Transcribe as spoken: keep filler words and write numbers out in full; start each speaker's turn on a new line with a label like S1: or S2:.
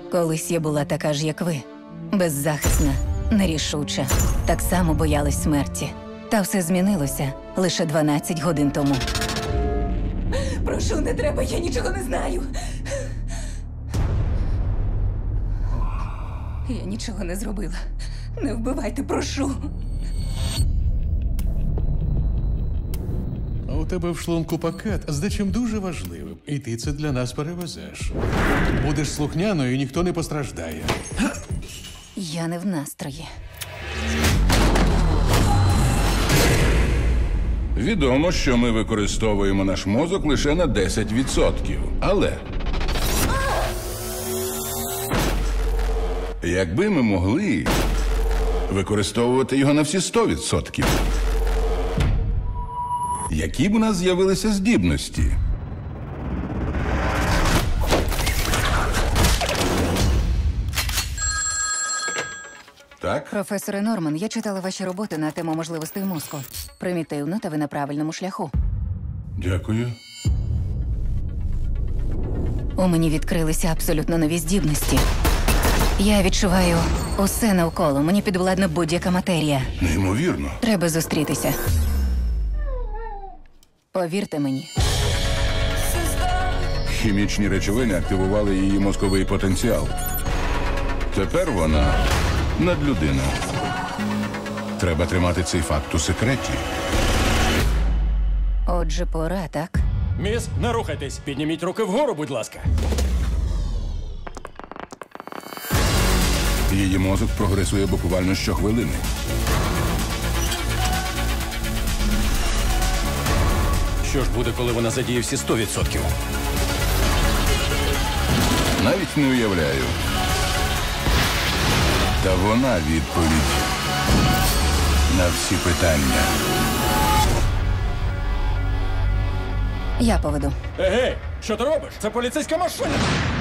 S1: Колись я була така ж, як ви. Беззахисна, нерішуча. Так само боялась смерті. Та все змінилося лише дванадцять годин тому. Прошу, не треба, я нічого не знаю. Я нічого не зробила. Не вбивайте, прошу.
S2: У тебе в шлунку пакет з дечим дуже важливим, і ти це для нас перевезеш. Будеш слухняною, і ніхто не постраждає.
S1: Я не в настрої.
S3: Відомо, що ми використовуємо наш мозок лише на десять відсотків. Але якби ми могли використовувати його на всі сто відсотків, які б у нас з'явилися здібності? Так?
S1: Професоре Норман, я читала ваші роботи на тему можливостей мозку. Примітивно, та ви на правильному шляху.
S3: Дякую.
S1: У мені відкрилися абсолютно нові здібності. Я відчуваю усе навколо. Мені підвладна будь-яка матерія.
S3: Неймовірно.
S1: Треба зустрітися. Повірте мені.
S3: Хімічні речовини активували її мозковий потенціал. Тепер вона надлюдина. Треба тримати цей факт у секреті.
S1: Отже, пора, так?
S4: Міс, не рухайтесь. Підніміть руки вгору, будь ласка.
S3: Її мозок прогресує буквально щохвилини.
S4: Що ж буде, коли вона задіє всі сто відсотків?
S3: Навіть не уявляю. Та вона відповідь на всі питання.
S1: Я поведу.
S4: Егей, що ти робиш? Це поліцейська машина!